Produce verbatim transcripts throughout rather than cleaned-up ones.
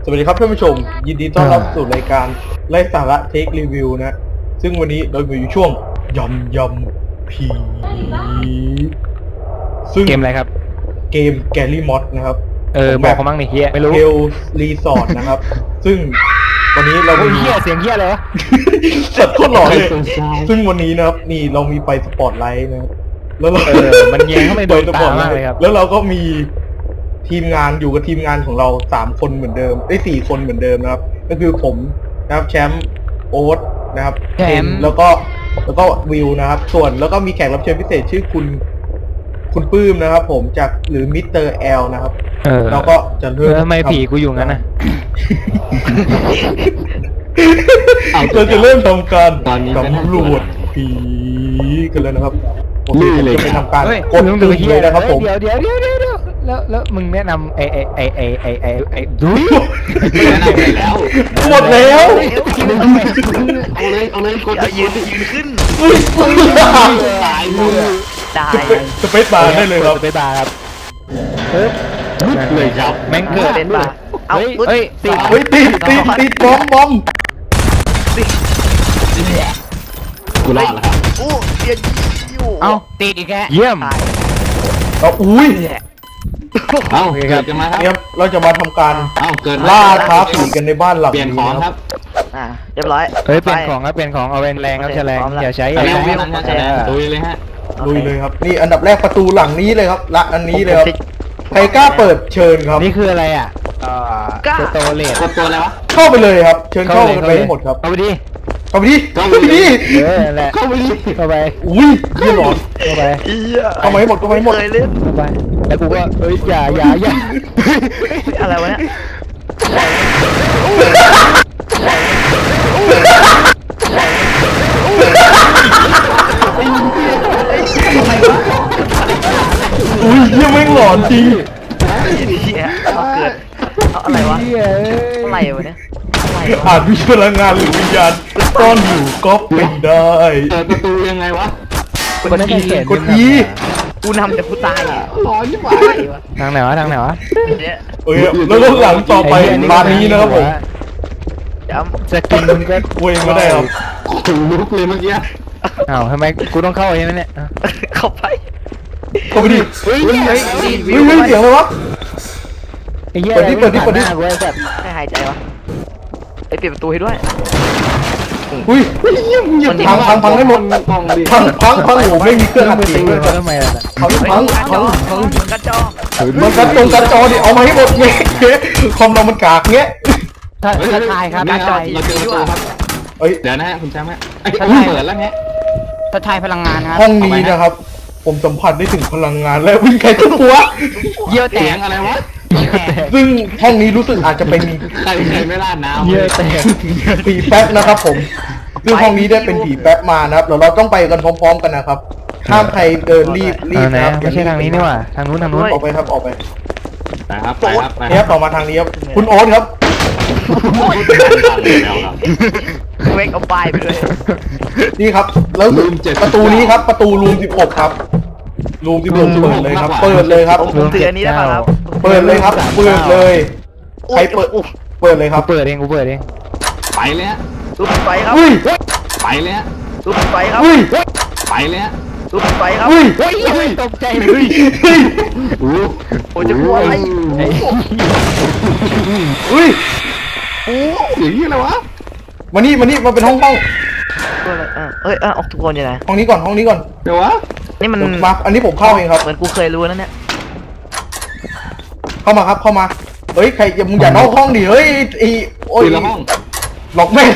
วัสดีครับท่านผู้ชมยินดีต้อนรับสู่รายการไร้สาระเทครีวิวนะซึ่งวันนี้เราอยู่ช่วงยำยำผีซึ่งเกมอะไรครับเกมแกลลี่มอสนะครับเออบอกเขามั่งดิเฮียไม่รู้เฮลรีสอร์ทนะครับซึ่งวันนี้เราเฮียเสียงเฮียเลยวะสัตว์โคตรหล่อเลยซึ่งวันนี้นะครับนี่เรามีไฟสปอตไลท์นะครับแล้วเราเออมันแยงเข้าไปโดนตามากเลยครับแล้วเราก็มีทีมงานอยู่กับทีมงานของเราสามคนเหมือนเดิมได้สี่คนเหมือนเดิมนะครับก็คือผมนะครับแชมป์โอ๊ตนะครับแชมป์แล้วก็แล้วก็วิวนะครับส่วนแล้วก็มีแขกรับเชิญพิเศษชื่อคุณคุณปื้มนะครับผมจากหรือมิสเตอร์แอลนะครับแล้วก็จะเริ่มทำไมผีกูอยู่งั้นนะเราจะเริ่มทำการสำรวจผีกันเลยนะครับผมจะไปทำการกดตึงเลยนะครับผมเดี๋ยวเดี๋ยวเดี๋ยวเดี๋ยวแล้วแล้วมึงแนะนำไอไอไอไอไอไอไอดูแนะนำไปแล้วหมดแล้วเอาเลยเอาเลยกดยืนยืนขึ้นตายมือตายสเปซบาร์ได้เลยครับสเปซบาร์ครับปึ๊บเลยครับแม่งเกิดเป็นบาร์เฮ้ยเฮ้ยติดเฮ้ยติดติดติดบอมบอมกูรอดแล้วครับอู้เดียอยู่เอ้าติดอีกแค่เยี่ยมเอาอุ้ยเอ้าเกิดกันมาครับเราจะมาทำการเอ้าเกิดล่าท้าผีกันในบ้านหลังเปลี่ยนของครับอ่าเรียบร้อยเฮ้ยเปลี่ยนของครับเปลี่ยนของเอาแรงแรงครับแรงอย่าใช้อะไรลุยเลยฮะลุยเลยครับนี่อันดับแรกประตูหลังนี้เลยครับละอันนี้เลยครับใครกล้าเปิดเชิญครับนี่คืออะไรอ่ะสโตเลตตัวอะไรวะเข้าไปเลยครับเชิญเข้าไปให้หมดครับเข้าไปดิเข้าไปดิเข้าไปดิเออแหละเข้าไปดิเข้าไปอุ้ยเยี่ยหลอนเข้าไปเข้าไปให้หมดเข้าไปให้หมดเข้าไปแล้วกูก็เอ้ยอย่าอย่าอย่าอะไรวะเนี่ยอุ้ยเยี่ยไม่หลอนจริงเฮียเอาเกิดเอาอะไรวะอะไรวะเนี่ยอาจมีพลังงานหรือวิญญาณซ่อนอยู่ก็เป็นได้เปิดประตูยังไงวะกดอีกดอีกูนำแต่กูตายร้อนยิ่งกว่าทางไหนวะทางไหนวะเอ้ยแล้วก็หลังต่อไปร้านนี้นะครับผมสกินมึงก็เว้ยไม่ได้ครับถึงลุกเลยเมื่อกี้อ้าวทำไมกูต้องเข้าใช่ไหมเนี่ยเข้าไปเข้าไปดิเฮ้ยเฮ้ยเฮ้ยเสียงอะไรวะไอ้เหี้ยเปิดดิเปิดดิเปิดดิให้หายใจวะไอ้ปิดประตูให้ด้วยอุ้ยพังพังพังให้หมดพังพังพังโอ้ไม่มีเครื่องอัดเสียงเลยทำไมล่ะพังพังพังพังกระจอมันกระตรงกระจอดิเอามาให้หมดเงี้ยคอมเรามันกากเงี้ยถ้าถ้าทายครับกระจอเราเจอตัวครับเอ้ยเดี๋ยวนะฮะคุณแชมป์ฮะเปิดแล้วเงี้ยถ้าทายพลังงานครับห้องนี้นะครับผมสัมผัสได้ถึงพลังงานและวิ่งใครตัวหัวเยี่ยวแตกอะไรวะซึ่งห้องนี้รู้สึกอาจจะเป็นใครใครไม่ราดน้ำเยี่ยวแตกผีแป๊บนะครับผมซึ่งห้องนี้ได้เป็นผีแป๊บมานะครับเดี๋ยวเราต้องไปกันพร้อมๆกันนะครับห้ามใครเดินรีบรีบนะครับไม่ใช่ทางนี้นี่หว่าทางนู้นทางนู้นออกไปครับออกไปไปครับไปครับไปครับต่อมาทางนี้ครับคุณโอ๊ตครับเวกเอาไปไปเลยนี่ครับแล้วประตูนี้ครับประตูรูมสิบหกครับรูมสิบหกเปิดเลยครับเปิดเลยครับผมถืออันนี้ได้ป่ะครับเปิดเลยครับเปิดเลยใครเปิดเปิดเลยครับเปิดเองกูเปิดเองไปเลยฮะซุปไปครับไปเลยฮะซุปไปครับไปเลยฮะซุปไปครับตกใจเลยโอ้จะกลัวอะไรอุ้ยโอ้อย่างนี้อะไรวะมานี่มานี่มาเป็นห้องห้องเอ้ยออกทุกคนยังไงห้องนี้ก่อนห้องนี้ก่อนเดี๋ยววะนี่มันมาอันนี้ผมเข้าเองครับเหมือนกูเคยรู้นั่นเนี่ยเข้ามาครับเข้ามาเฮ้ยใครอย่ามึงอย่านอกห้องดิเฮ้ยไอโอ้ยละห้องหลอกแม่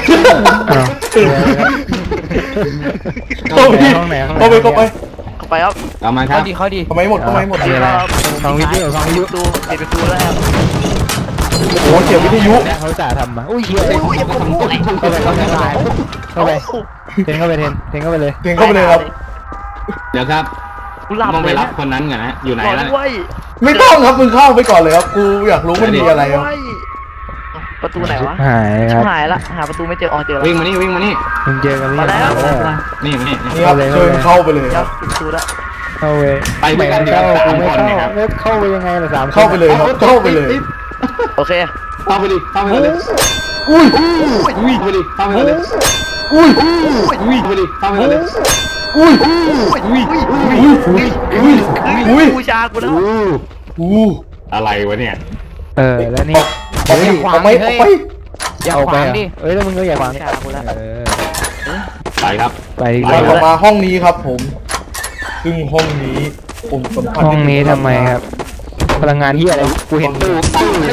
เข้าไปเข้าไปเข้าไปเข้าไปครับเอามาครับเข้าดีเข้าดีเข้าไปหมดเข้าไปหมดครับฟังวิทยุฟังวิทยุดูปิดประตูแล้วครับโอ้เสียงวิทยุเขาจ่าทำมาอุ้ยเฮียเข้าไปเข้าไปเข้าไปเข้าไปเทนเข้าไปเทนเทนเข้าไปเลยเทนเข้าไปเลยครับเดี๋ยวครับต้องไปรับคนนั้นกันนะอยู่ไหนแล้วไม่ต้องครับมึงเข้าไปก่อนเลยครับกูอยากรู้มันมีอะไรครับประตูไหนวะหายครับหายละหาประตูไม่เจออ๋อเจอแล้ววิ่งมานี่วิ่งมานี่มึงเจอกันมาแล้วนี่นี่นี่ครับเชิญเข้าไปเลยครับประตูละเข้าไปไปไปกันเดี๋ยวกูไม่เข้าเข้าไปยังไงล่ะสามเข้าไปเลยครับเข้าไปเลยโอเคเข้าไปดิเข้าไปเลยอุ้ยอุ้ยไปดิเข้าไปเลยอุ้ยอุ้ยไปดิเข้าไปเลยอุ้ยอุ้ยอุ้ยอุ้ยอุ้ยอุ้ยอุ้ยบูชากูแล้วอู้อะไรวะเนี่ยเออแล้วนี่ออกไปออกไปออกไปอย่าขวางดิเอ้ยแล้วมึงก็อย่าขวางบูชากูแล้วเออไปครับไปดีกไปว่าต่อมาห้องนี้ครับผมซึ่งห้องนี้ผมสัมผัสห้องนี้ทำไมครับพลังงานที่อะไรกูเห็นตู้ตู้เลย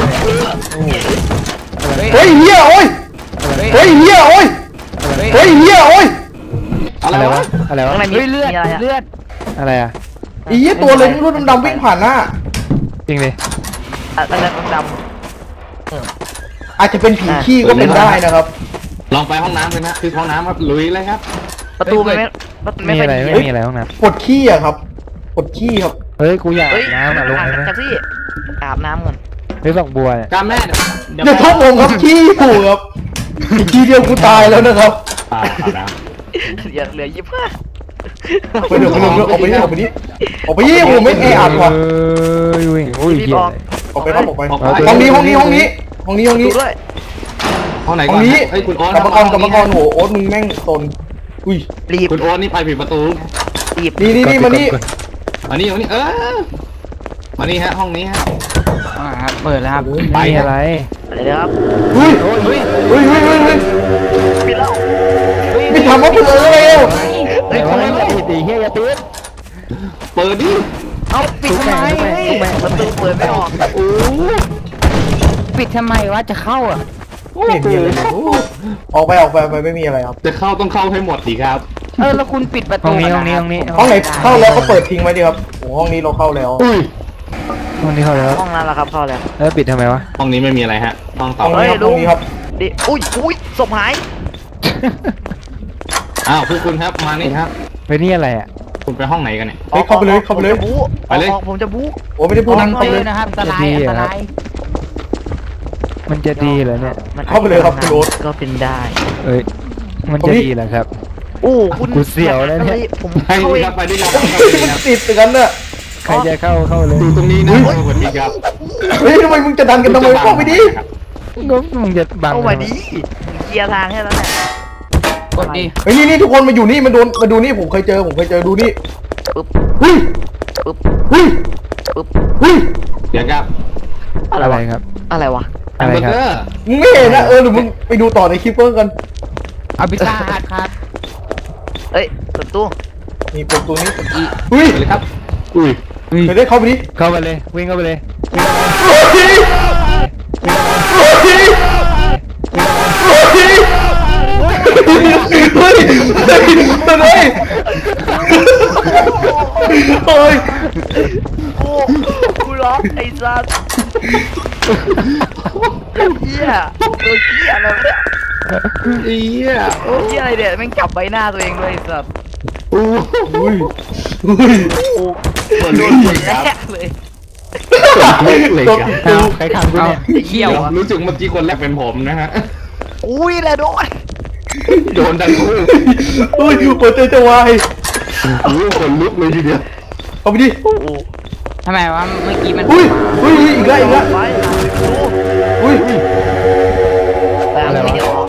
เฮ้ยเฮียโอ้ยเฮ้ยเฮียโอ้ยเฮ้ยเฮียโอ้ยอะไรวะอะไรวะข้างในมีเลือดเลือดอะไรอ่ะอีเหี้ยตัวเลยรุ่นดำๆวิ่งผ่านหน้าจริงดิอะไรดำอาจจะเป็นผีขี้ก็เป็นได้นะครับลองไปห้องน้ำเลยนะคือห้องน้ำครับลุยเลยครับประตูไม่ประตูไม่มีค่อยอะไรดีไม่มีอะไรห้องน้กดขี้อะครับกดขี้ครับำเฮ้ยกูอยากเฮ้ยน้ำอ่ะลงอาบไปไหมจากที่อาบน้ำก่อนเฮ้ยฝักบัวเนี่ยการแม่เดี๋ยวเดี๋ยวทุบผมครับขี้อยู่ครับอีกทีเดียวกูตายแล้วนะครับอ่าอาบน้เหลือเหลือยี่สิบห้าไปเดี๋ยวไปเดี๋ยวออกไปนี่ออกไปนี่ออกไปนี่ผมไม่แออัดว่ะเอ้ยวิ่งโอ้ยรีบเหี้ยออกออกไปครับออกไปำออกไปห้องนี้ห้องนี้ห้องนี้ห้องนี้ห้องดูนี้ด้วยห้องไหนห้ก่อองนนี้เฮ้ยคุณโอ๊ตกรรมกรกรรมกรโหโอ๊ตมึงแม่งตนอุ้ยรีบคุณโอ๊ตนี่ไปผิดประตูรีบนี่นี่นี่มานี่มานี่มานี่เออมานี่ฮะห้องนี้ฮะอ่าครับเปิดแล้วครับไปมีครับอะไรอะไรนะครับเฮ้ยเฮ้ยเฮ้ยเฮ้ยเฮ้ยเฮ้ยปิดแล้วไม่ทำว่าเปิดเร็วเฮ้ยทำไมไม่ปิดดิเฮียอย่าปิดเปิดดิเอาปิดทำไมประตูเปิดไม่ออกโอ้ปิดทำไมวะจะเข้าอ่ะไม่มีอะไรเลยออกไปออกไปออกไปไม่มีอะไรครับจะเข้าต้องเข้าให้หมดดีครับเออแล้วคุณปิดประห้ตูองนี้ห้องนี้ห้องนี้ห้องไหนเข้าแล้วก็เปิดทิ้งไว้ดีครับโอ้ห้องนี้เราเข้าแล้วอุ้ยห้องนี้เข้าแล้วห้องนั้นแหละครับเข้าแล้วแล้วปิดทำไมวะห้องนี้ไม่มีอะไรฮะห้องต่อห้องไปนี้ครับห้องนี้ครับดิอุ้ยอุ้ยศพหายอ้าวพวกคุณครับมานี่ครับเฮ้ยนี่อะไรอ่ะคุณไปห้องไหนกันเนี่ยเฮ้ยเข้าไปเลยเข้าไปเลยผมจะบู๊ไปเลยออกผมจะบู๊โอ้ไม่ได้พูดนั้นเข้าไปเลยนะครับอันตรายอันตรายมันจะดีเหรอเนี่ยมันเข้าไปเลยครับคุณโอ๊ตก็เป็นได้เอ้ยมันจะดีเหรอครับโอ้คุณกูเสียวแล้วเนี่ยผมไปเข้าดิเอครังบไปดิครับมันติดอย่างนั้นน่ะใครจะเข้าเข้าเลยดูตรงนี้นะสวัสดีครับเฮ้ยทำไมมึงจะดันกันทำไมเข้าไปดิก็มึงจะบังเข้ามาดีเคลียร์ทางให้แล้วเนี่ยกดดิเฮ้ยนี่นี่ทุกคนมาอยู่นี่มาดูมาดูนี่ผมเคยเจอผมเคยเจอดูนี่ปึ๊บเฮ้ยปึ๊บเฮ้ยปึ๊บเฮ้ยเดี๋ยวครับอะไรอะไรวะครับอะไรวะแฮอะมไรเบอร์ครับเกอร์มึงไม่เห็นนะเออหรือมึงไปดูต่อในคลิปเพิ่มกันเอาพิซซ่าฮัทครับเอ้ยเปิดตู้นี่เป็นตัวนี้เฮ้ยไปเลยครับอุ้ยเคยได้เข้าไปดิเข้าไปเลยวิ่งเข้าไปเลยเฮ้ยเฮ้ยเฮ้ยเฮ้ยเฮ้ยเฮ้ยเฮ้ยโอ้กูร้องไอ้สัสเฮียตัวเฮียอะไรวะเนี่ยเอี้ยเฮียอะไรเนี่ยแม่งจับใบหน้าตัวเองด้วยไอ้สัสโอ้อุ้ยอุ้ยโอ้เหมือนโดรู้นสึหัวกแรครับกเลยเลยครับเอาใครขังกูเนี่ยไอ้เหี้ยวะรู้สึกเมื่อกี้คนแรกเป็นผมนะฮะอุ้ยแหละโดนโดนดังคู่อุ้ยหัวใจจะวายโอ้คนลุกเลยทีเดียวเอาไปดิโอ้โหทำไมวะเมื่อกี้มันอุ้ยอุ้ยอีกแล้วอีกแล้วไปดูอุ้ยแต่ไม่ได้ออก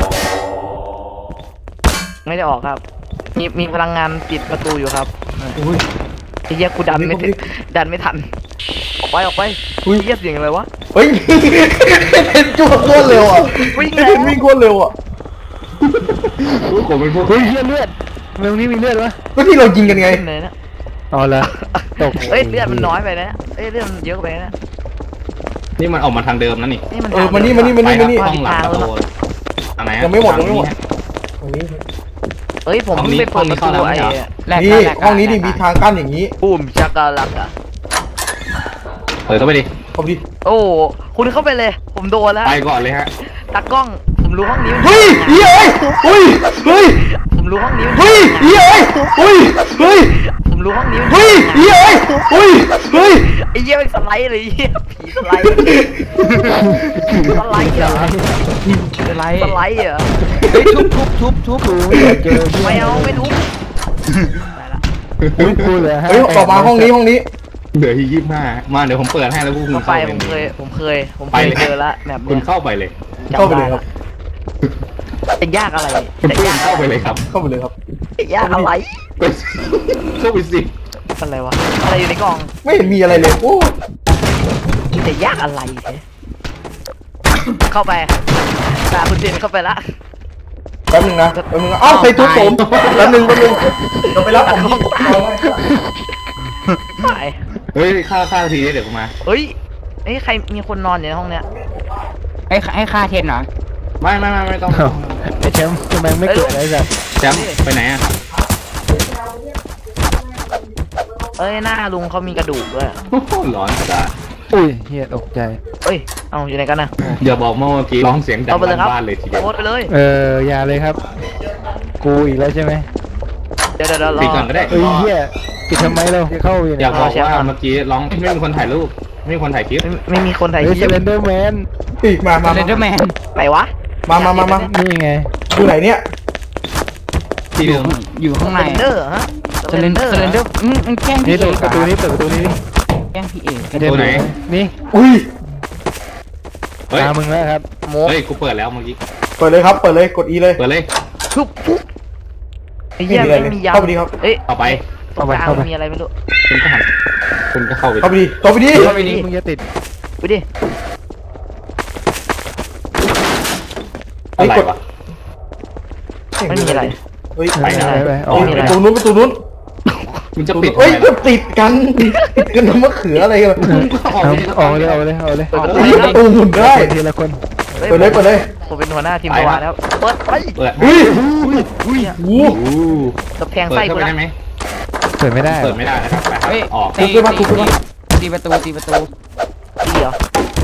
ไม่ได้ออกครับ มีมีพลังงานปิดประตูอยู่ครับอุ้ยไอ้เหี้ยกูดันไม่ถึงดันไม่ทัน ออกไปออกไปอุ้ยไอ้เหี้ยเสียงอะไรวะเฮ้ยเห็นจุดโคตรเร็วอ่ะวิ่งแล้วเห็นวิ่งโคตรเร็วอ่ะโอ้ผมเป็นพวกเฮ้ยเลือดเลือดเมืองนี้มีเลือดวะก็ที่เรายิงกันไงขึ้นเลยนะอ๋อเหรอตกเอ้ยเลือดมันน้อยไปนะเอ้ยเลือดมันเยอะไปนะนี่มันออกมาทางเดิมนะนี่นี่มันเออมานี่มานี่มาไปนี่คมารับนี่ห้องหลังประตูอะไรฮะยังไม่หมดยังไม่หมดตรงนี้เอ้ยผมเพิ่งไปเปิดประตูไอ้นี่ห้องนี้ดิมีทางกั้นอย่างนี้ปุ้มชักกะลักอะเปิดเข้าไปดิเข้าไปดิโอ้คุณเข้าไปเลย ผมโดนแล้วไปก่อนเลยฮะตากล้องผมรู้ห้องนี้มันเฮ้ยเฮ้ยเฮ้ยเฮ้ยผมรู้ห้องนี้มันเฮ้ยเฮ้ยเฮ้ยเฮ้ยผมรู้ห้องนี้มันเฮ้ยเฮ้ยเฮ้ยเฮ้ยไอ้เหี้ยมันสไลด์เลยไอ้เหี้ยผีสไลด์สไลด์เหรอเป็นไรสไลด์เหรอเฮ้ยทุบทุบทุบทุบกูเจอไม่เอาไม่ทุบไปละทุบกูเลยฮะเฮ้ยต่อมาห้องนี้ห้องนี้เหลือที่ยี่สิบห้ามาเดี๋ยวผมเปิดให้แล้วพวกคุณเข้าไปเข้าผมเคยผมเคยผมไปเคยเลยเจอละแบบคุเนี้ณยเข้าไปเลยเข้าไปเลยครับจะยากอะไรคุณจะปื้ยาม กเข้าไปเลยครับเข้าไปเลยครับจะยากอะไรไปเข้าไปสิอะไรวะอะไรอยู่ในกล่องไม่เห็นมีอะไรเลยโอ้จะยากอะไรเนี่ยเข้าไปตาคุณเจนเข้าไปละแป๊บนึงนะแป๊บนึงนะอ้าวใครทุบผมแป๊บนึงแป๊บนึงเดี๋ยวไปรับของที่เอาไว้ไปเฮ้ยฆ่าฆ่าทีเดี๋ยวผมมาเฮ้ยเอ้ยใครมีคนนอนอยู่ในห้องเนี้ยให้ให้ค่าเทนเหรอไม่ไม่ไม่ไม่ต้องไอ้แชมป์ทำไมไม่เกิดอะไรแบบแชมป์ไปไหนอ่ะเอ้ยหน้าลุงเขามีกระดูกด้วยโอ้โหร้อนจ้าอุ้ยเฮียตกใจเอ้ยเอาอยู่ไหนกันนะอย่าบอกเมื่อกี้ร้องเสียงดังเอาไปเลยครับบ้านเลยทีเดียวโพสต์ไปเลยเอออย่าเลยครับ กูอีกแล้วใช่ไหมเดี๋ยวเดี๋ยวเดี๋ยวรปิดอก่อนก็ได้เอ้ยเฮียปิดทำไมเราจะเข้าอยู่อเนี่ยย่าบอกเอาแชมป์ว่าก่อนเมื่อกี้ร้องไม่มีคนถ่ายรูปไม่มีคนถ่ายคลิปไม่ไม่มีคนถ่ายเฮ้ยคเซลิปเลนเดอร์แมนอีกมามาเซเลนเดอร์แมนไหนวะมามามามานี่ไงอยู่ไหนเนี่ยที่เดิมอยู่ข้างในเซเลนเดอร์ฮะเซเลนเดอร์เซเลนเดอร์อืมแกล้งพี่เอกประตูนี้เปิดประตูนี้แกล้งพี่เอกนี่อุ้ยเฮ้ยตามึงแล้วครับโมเฮ้ยกูเปิดแล้วเมื่อกี้เปิดเลยครับเปิดเลยกด E เลยเปิดเลยปุ๊บปุ๊บไอ้เหี้ยไม่มีอะไรไม่มียาเข้าไปดิครับเอ้ยต่อไปตรงกลางมันมีอะไรไม่รู้คุณก็หันคุณก็เข้าไปเข้าไปดิเข้าไปดิเข้าไปนี่มึงจะติดไปดิอะไรวะไม่มีอะไรเฮ้ยไปไปไปไปอออกอกประตูนู้นประตูนู้นมันจะปิดเอ้ยทำไมก็ล่ะติดกันติดกันน้ำมะเขืออะไรกันเอาออกเลยเอาเลยเอาเลยเปิดประตูเฮ้ยประตูหมุนได้ทีละคนเปิดเลยเปิดเลยผมเป็นหัวหน้าทีมตัวแล้วเปิดไปเปิดอุ้ยอุ้ยโอ้โอ้กับแทงเปิดไส้เข้ากูไปละได้ไหมเปิดไม่ได้เปิดไม่ได้นะครับไปครับออกตีมาตีมาตีประตูตีประตูดีเหรอ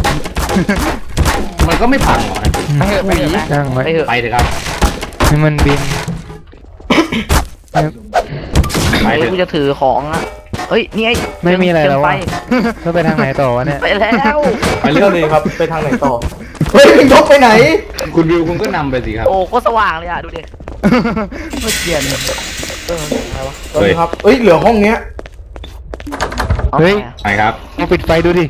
มันก็ไม่พังหรอกนะไปเถอะไปเถอะช่างไหมไปเถอะไปเถอะครับให้มันบินไปเฮ้ยเถอะกูจะถือของอ่ะเฮ้ยนี่ไอ้ไม่มีอะไรแล้วไปวะแล้วไปทางไหนต่อวะเนี่ยไปแล้วไปเรื่อยเลยครับไปทางไหนต่อเฮ้ยยกไปไหนคุณวิวคุณก็นำไปสิครับโอ้โคตรสว่างเลยอ่ะดูดิเมื่อกี้เอออะไรวะเฮ้ยครับเอ้ยเหลือห้องเนี้ยอาเฮ้ยไปอะไปครับลองปิดไฟดูดิ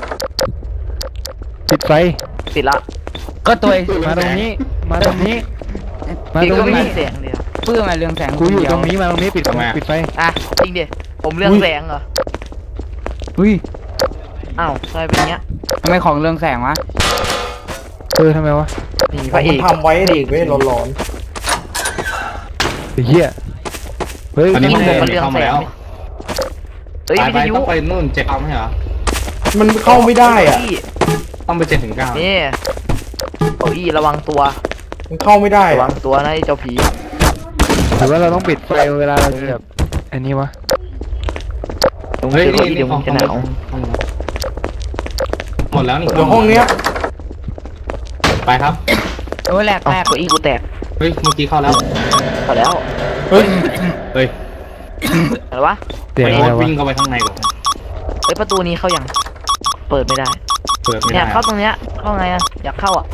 ปิดไฟปิดละก็ตัวมาตรงนี้ มาตรงนี้ มาปิดตรก็งไม่นี้มีเสียงเดียวเพื่อมาเรืองแสงกูอยู่ตรงนี้มาตรงนี้ปิดปิดไฟอ่ะจริงดิผมเรื่องแสงเหรออุ้ยอ้าวทำไมเป็นอย่างเงี้ยทำไมของเรืองแสงวะเออทำไมวะนี่พมัระเอน กทำไว้เด็กไว้ร้อนไอ้เหี้ยเฮ้ยอันนี้นี่มันผมเดิมันนเรื่องเข้าแสมาง แล้วเฮ้ยไปวิไปทยุต้องไปนู่นเจ็ดเอาไหมเหรอๆมันเข้าไม่ได้อ่ะนี่ต้องไปเจ็ดถึงเก้านี่เก้าอี้ระวังตัวมันเข้าไม่ได้ระวัอ่ะงตัวนะไอ้เจ้าผีหรือว่าเราต้องปิดไฟเวลาเราจะแบบอันนี้วะตรงเฮ้ยเก้านี่อี้เดี๋ยวมึงจะหนาวหมดแล้วนี่เดี๋ยวห้องเนี้ยไปครับโอ้แหลกเอ้าแตกเก้าอี้กูแตกเฮ้ยเมื่อกี้เข้าแล้วพอแล้วเฮ้ยเฮ้ยอะไรวะเสียงไปอะไรวะวิ่งเข้าไปข้างในก่อนเฮ้ยประตูนี้เข้ายังเปิดไม่ได้เปิดไม่เนี่ได้ยเข้าตรงเนี้ยเข้าไงอะอยากเข้าอ่ะ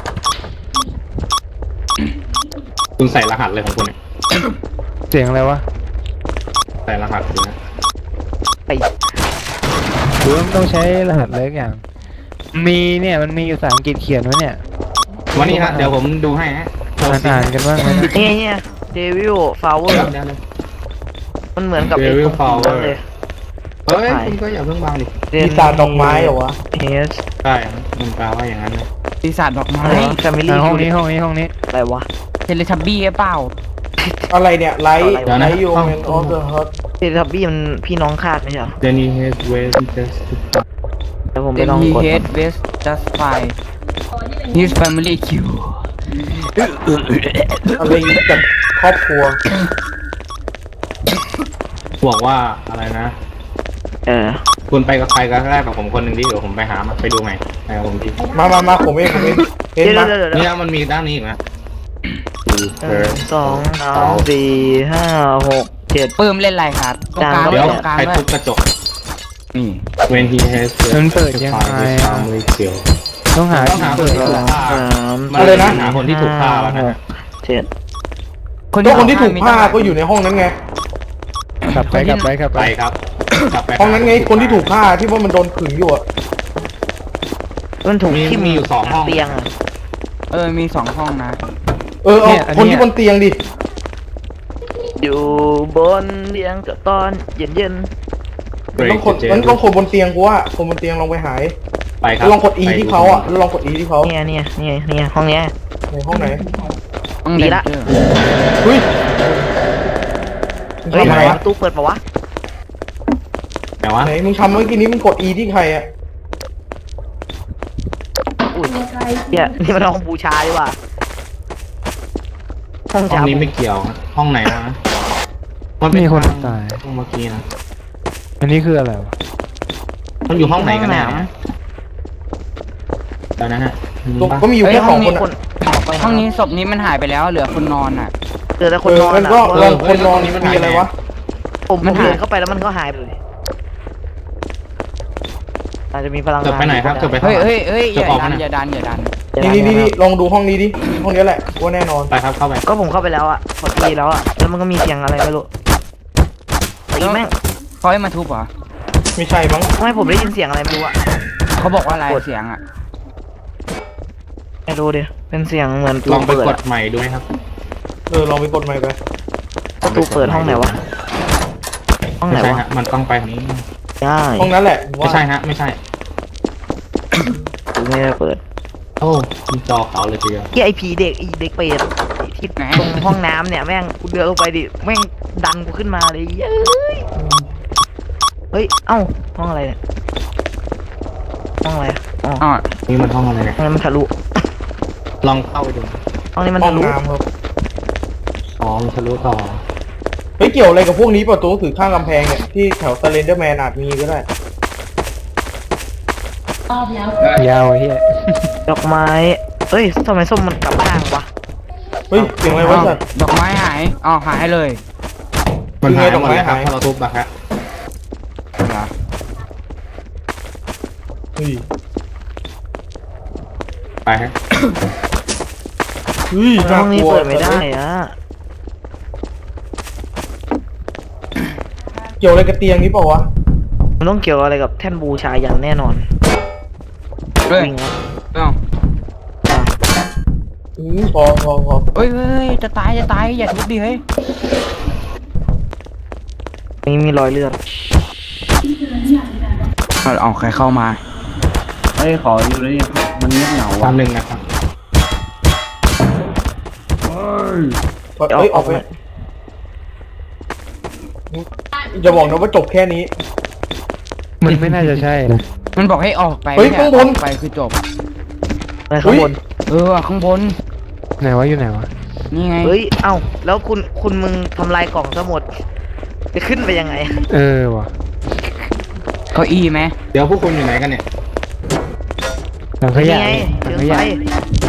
คุณใส่รหัสเลยของคุณเนี่ยเสียงอะไรวะใส่รหัสดูนะไปหรือว่ามันต้องใช้รหัสอะไรสักอย่าง มีเนี่ยมันมีภาษาอังกฤษเขียนไว้เนี่ยวันนี้ฮะเดี๋ยวผมดูให้ฮะอ่านอ่านกันบ้างไหมนะนี่เนี่ยเดวิลฟลาวเวอเดี๋ยวร์เดี๋ยวเดี๋ยวมันเหมือนกับไอ้ Devil ตรง Flower นั้นเลยเฮ้ยคุณก็อย่าเพิ่งวางดิปีศาจดอกไม้เหรอวะเฮสใช่มันแปลว่าอย่างนั้นนะปีศาจดอกไม้แฟมิอ่าลี่ห้องนี้ห้องนี้ห้องนี้อะไรวะเทเลทับบี้เปล่าอะไรเนี่ยไลท์เดี๋ยวนะไลท์ยูแมนออฟเดอะฮอตเทเลทับบี้มันพี่น้องคาดไม่ใช่เหรอเดนี่เฮสเวสจัสแล้วผมไป Then ลอง he กด hate West just fine his family kill อะไรกับครอบครัวบอกว่าอะไรนะเออคุณไปกับใครก็ได้กับผมคนหนึ่งดิเดี๋ยวผมไปหามาไปดูใหม่ไปกับผมดิมามามาผมเองผมเองเห็นเดี๋ยวไหมเดี๋ยวเดี๋ยวเนี่ยมันมีด้านนี้อีกนะหนึ่งสองสามสี่ห้าหกเจ็ดปื้มเล่นอะไรครับตรงกลางเดี๋ยวตรงกลางใครด้วทุยบกระจกนี่ When he has มันเปิดยังไงอะ family kill ต้องหาต้องหาที่คนเปิดที่เหรถูอกฆ่าสามมันเลยนะหาคนที่ถูกฆ่าแล้วนะหกเจ็ดก็คนที่ถูกฆ่าก็อยู่ในห้องนั้นไงกลับไปกลับไปกลับไปไปครับกลับไปห้องนั้นไงคนที่ถูกฆ่าที่ว่ามันโดนขึงอยู่อะมันถูกมีที่มีอยู่สองห้องเตียงอะเออมีสองห้องนะเออเอาคนที่บนเตียงดิอยู่บนเตียงกับตอนเย็นเย็นต้องคนมันต้องคนบนเตียงกูว่าคนบนเตียงลองไปหายไปครับลองกด E ที่เขาอ่ะลองกด E ที่เขาๆเนี่ยเนี่ยเนี่ยเนี่ยห้องเนี้ยในห้องไหนห้องดีเด็กละเฮ้ยเฮ้ยทำไมประตูเปิดปะวะแต่ว่าไหนมึงทำเมื่อกี้นี้มึงกด E ที่ใครอ่ะอุ้ยเนี่ยนี่มันห้องบูชาดีกว่าห้องห้องชานี้บูไม่เกี่ยวห้องไหนวะมันมีคนห้องตายห้องเมื่อกี้นะอันนี้คืออะไรวะมันอยู่ห้องไหนกันแน่เนี่ยตอนนั้นฮะตรงก็มีอยู่แค่สองคนคอะนออกไปห้องนี้ศพนี้มันหายไปแล้วเหลือคนนอนอ่ะเหลือแต่คนเออนอนมันอะก็ลองคนนอนนี่มันมีอะไรวะผมผมเดินเข้าไปแล้วมันก็หายไปเลยอาจจะมีพลังงานเกิดไปไหนครับเกิดไปเฮ้ยเฮ้ยเฮ้ยอเกิดย่าออกดันนะอย่าดันอย่าดันนี่นี่นี่ลองดูห้องนี้ดิห้องนี้แหละว่าแน่นอนไปครับเข้าไปก็ผมเข้าไปแล้วอะพอดีแล้วอะแล้วมันก็มีเสียงอะไรไม่รู้ตีแม่งเขาให้มาทุบเหรอไม่ใช่มั้งทำไมผมได้ยินเสียงอะไรไม่รู้อะเขาบอกว่าอะไรเสียงอ่ะไม่รู้ดิเป็นเสียงเหมือนลองไปเปิดกอะดใหม่ดูไหมครับเออลองไปกดใหม่ไปประตูเปิดห้องไหนวะห้องไหนไม่ใช่วะฮะมันต้องไปทางนี้ได้ห้องนั้นแหละไม่ใช่ฮะไม่ใช่ไม่ได้เปิดโอ้มีจอขาวเลยทีเดียวที่ไอผีเด็กไอเด็กเปรตที่ตรงห้องน้ำเนี่ยแม่งกูเดินลงไปดิแม่งดันกูขึ้นมาเลยเย้ยเฮ้ยเอ้าห้องอะไรเนี่ยห้องอะไรอะอ๋ออ๋อนี่มันห้องอะไรเนี่ยห้องนี้มันทะลุลองเข้าไปดูห้องนี้มันห้อทะงลุน้ำครับอ๋อมันทะลุต่อเฮ้ยเกี่ยวอะไรกับพวกนี้ประตูถือข้างกำแพงเนี่ยที่แถวสเลนเดอร์แมนอาจมีก็ได้ยาวเฮียดอกไม้เอ้ยทำไมส้มมันกลับข้างวะเฮ้ยเสียงอะไรวะสัตว์ดอกไม้หายอ๋อหายเลยมันหายคือไงหมดเลยครับดอกไม้หายถ้าเราทุบอะครับเหรอเฮ้ยไปฮะเฮ้ยห้น่าองกนี้ลัวเปิดไม่ได้อะเกี่ยวอะไรกับเตียงนี้เปล่าวะมันต้องเกี่ยวอะไรกับแท่นบูชาอย่างแน่นอนเฮ้ยวิ่งแล้วเอ้าอ่ะอืมพอพอพอเฮ้ยเฮ้ยจะตายจะตายอย่าทุบดิเฮ้ยนี่มีรอยเลือดเอาเอาใครเข้ามาเฮ้ยขออยู่เลยมันเงียบเหงาตาว่ะมหนึ่งนะครับเอ้ยออกไปจะบอกนะว่าจบแค่นี้มันไม่น่าจะใช่นะมันบอกให้ออกไปเฮ้ยไม่ใช่ข้างบนออกไปคือจบอะไรข้างบนเออข้างบนไหนวะอยู่ไหนวะนี่ไงเฮ้ยเอ้าแล้วคุณคุณมึงทำลายกล่องซะหมดจะขึ้นไปยังไงเออวะเก้าอี้ไหมเดี๋ยวพวกคุณอยู่ไหนกันเนี่ยหลังขยะนี่ไงหลัเชิงงขไฟยะ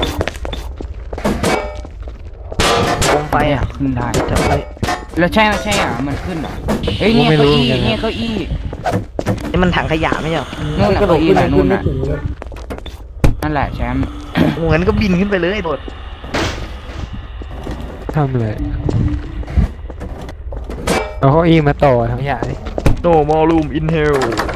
โคมไฟไปอ่ะอ่ะขึ้นได้จับไฟแล้วใช่ไหมใช่อ่ะมันขึ้นเหรอเฮ้ยเนี่ยเก้าอี้เนี่ยเก้าอี้นี่มันถังขยะไม่ใช่เหรอนู่นน่ะกระโดเก้าดอี้ขึ้นน่ะขึ้นู่นนไม่น่ะถึงเลยนั่นแหละแชมป์เหมือนก็บินขึ้นไปเลยโดดทำเลยเอาเก้าอี้มาต่อทั้งขยะดิโนมอลลูมอินเฮล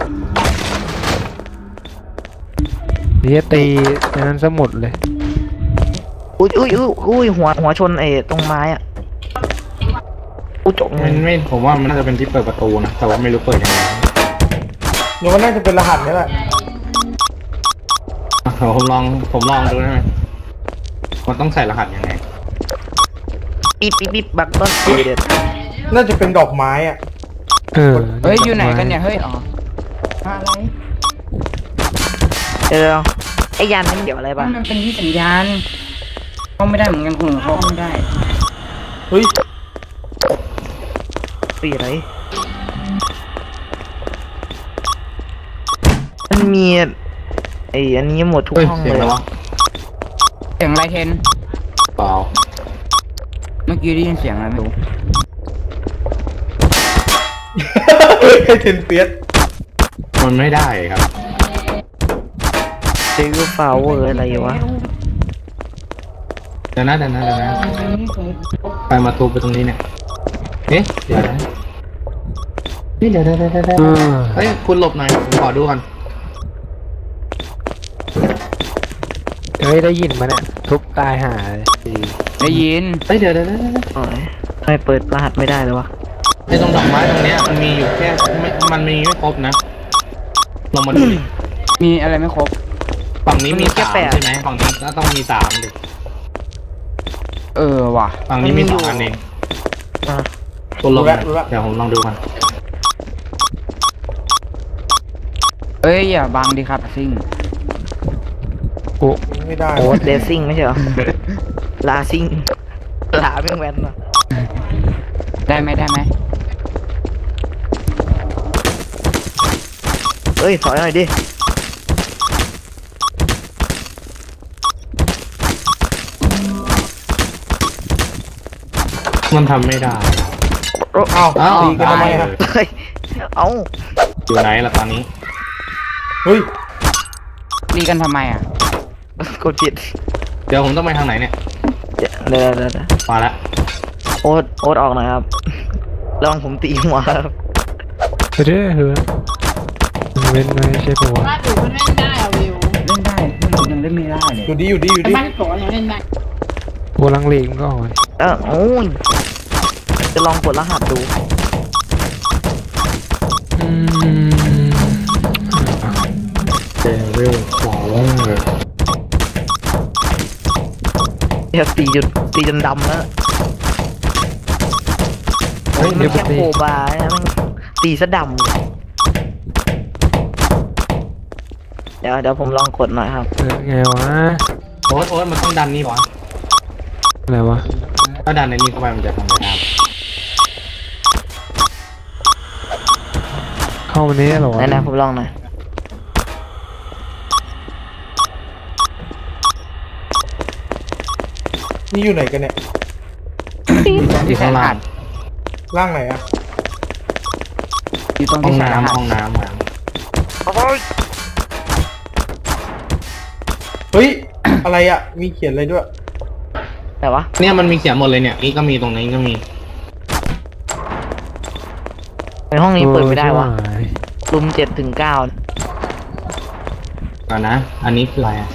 เดี๋ยวตีในนั้นสมุดเลยอุ้ยอุ้ยอุ้ยอุ้ยหัวหัวชนไอ้ตรงไม้อ่ะอุ้ยจบเลมัยนไม่ผมว่ามันน่าจะเป็นที่เปิดประตูนะแต่ว่าไม่รู้เปิดยังไงเดี๋ยวมันน่าจะเป็นรหัสนี่แหละอ่ะผมลองผมลองดูได้ไหมมันต้องใส่รหัสยังไงปิ๊บปิ๊บปิ๊บบักต้นเด็ดน่าจะเป็นดอกไม้อ่ะเออเฮ้ยอยู่ไหนกันเนี่ยเฮ้ยอ๋ออะไรเดี๋ยวไอ้ยันนี่มันเกี่ยวอะไรบ้างมันเป็นที่สัญญาณเข้าไม่ได้เหมือนกันคุณเข้าไม่ได้เฮ้ยปีอะไรมันมีไอ้อันนี้หมดทุกเฮ้ยห้องเสียงเลยแล้ววะเสียงอะไรเทนเปล่าเมื่อกี้ได้ยินเสียงอะไรไม่รู้ให้เทนเฟียสมันไม่ได้ครับเจอฟาวเวอร์อะไรวะเดี๋ยวนะเดี๋ยวนะเดี๋ยวนะไปมาทุบไปตรงนี้เนี่ยเอ๊ะเดี๋ยวนะนี่เดี๋ยวเดี๋ยวเดี๋ยวเดี๋ยวเฮ้ยคุณหลบหน่อยผมขอดูก่อนเฮ้ยได้ยินมาเนี่ยทุบตายหาได้ยินเฮ้ยเดี๋ยวเดี๋ยวเดี๋ยวโอ้ยทำไมเปิดรหัสไม่ได้เลยวะไอ้ตรงดอกไม้ตรงเนี้ยมันมีอยู่แค่ไม่มันมีไม่ครบนะลองมาดูดิมีอะไรไม่ครบฝั่งนี้มีสามใช่ไหมฝั่งนี้ก็ต้องมีสามดิเออว่ะฝั่งนี้มีสองอันเองอ่ะคุณลงนะเดี๋ยวผมลองดูกันเอ้ยอย่าบังดิครับซิ่งโอ้ไม่ได้โอ้เดซิ่งไม่ใช่เหรอ ลาซิ่งลาแม่งแวนนะได้ไหมได้ไหมเอ้ยถอยหน่อยดิมันทำไม่ได้โอ้เอ้าอ้าวตีกันทำไมฮะเฮ้ยเอ้าอยู่ไหนล่ะตอนนี้เฮ้ยตีกันทำไมอ่ะกดผิดเดี๋ยวผมต้องไปทางไหนเนี่ยเดี๋ยวเดี๋ยวเดี๋ยวเดี๋ยวมาละโอ๊ตโอ๊ตออกหน่อยครับระวังผมตีหัวครับเรื่อยเหรอเว้นไม่ใช่ปะวะบ้านอยู่มันเล่นได้อะวิวเล่นได้ผมยังเล่นไม่ได้เลยอยู่ดีอยู่ดีอยู่แต่ดีบ้านโกยังเล่นได้โบลังเลงก็อ่อนเออโอ้ยจะลองกดรหัสดูอืมเดวิลฟลาวเวอร์เดี๋ยวตีจนตีจนดำแล้วเฮ้ยมัเดี๋ยนวแค่ตีโคบาร์เนี่ยมันตีซะดำเลยเดี๋ยวเดี๋ยวผมลองกดหน่อยครับเออไงวะโอ๊ตโอ๊ตมันต้องดันนี่ป่ะอะไรวะถ้าดันในนี้เข้าไปมันจะทำอะไรได้เข้ามานี้เหรอวะไหนๆผมลองหน่อยนี่อยู่ไหนกันเนี่ยที่สายรหัสร่างไหนอะอยู่ตรงห้อที่งสายรหัน้ำสห้องน้ำมาเฮ้ย อะไรอะมีเขียนอะไรด้วยแต่วะเนี่ยมันมีเขียนหมดเลยเนี่ยนี่ก็มีตรงนี้ก็มีในห้องนี้เปิดไม่ได้วะโอ้ยรุมเจ็ดถึงเก้าก่อนนะ อันนี้คืออะไรอ่ะ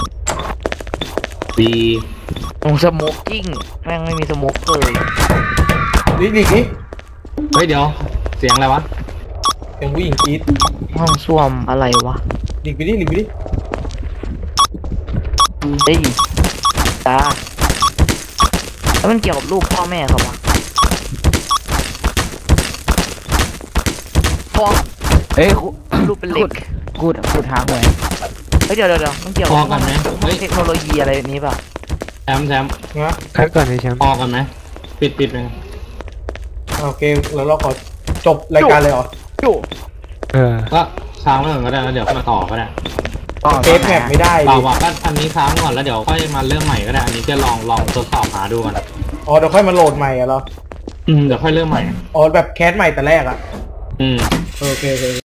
B ตรงสโมกกิ้งแม่งไม่มีสโมกเลยนี่หลีกนี่เฮ้ยเดี๋ยว เสียงอะไรวะเสียงผู้หญิงกรี๊ดห้องส้วมอะไรวะหลีกไปดิหลีกไปดิเฮ้ยตาแล้วมันเกี่ยวกับรูปพ่อแม่เขาวะพ่อเอ้ยคุรูปเป็นเหล็กกูดกูดหาหวยเฮ้ยเดี๋ยวเดี๋ยวเดี๋ยวมันเกี่ยวพกัอบ กันไหมเฮ้ยเทคโนโลยีอะไรแบบนี้ป่ะแชมป์แชมป์นะคัดก่อนไอ้แชมป์พอกันไหมปิดปิดเลยโอเคแล้วเราขอจบรายการเลยเหรอโย่เออก็ค้างไว้ก่อนก็ได้แล้วเดี๋ยวมาต่อก็ได้เฟซแมปไม่ได้เปดิล่าว่าก็อันนี้ค้างก่อนแล้วเดี๋ยวค่อยมาเริ่มใหม่ก็ได้ อันนี้จะลองลองทดสอบหาดูก่อนอ๋อเดี๋ยวค่อยมาโหลดใหม่อะเหรออืมเดี๋ยวค่อยเริ่มใหม่อ๋อแบบแคสใหม่แต่แรกอะอืมโอเคโอเค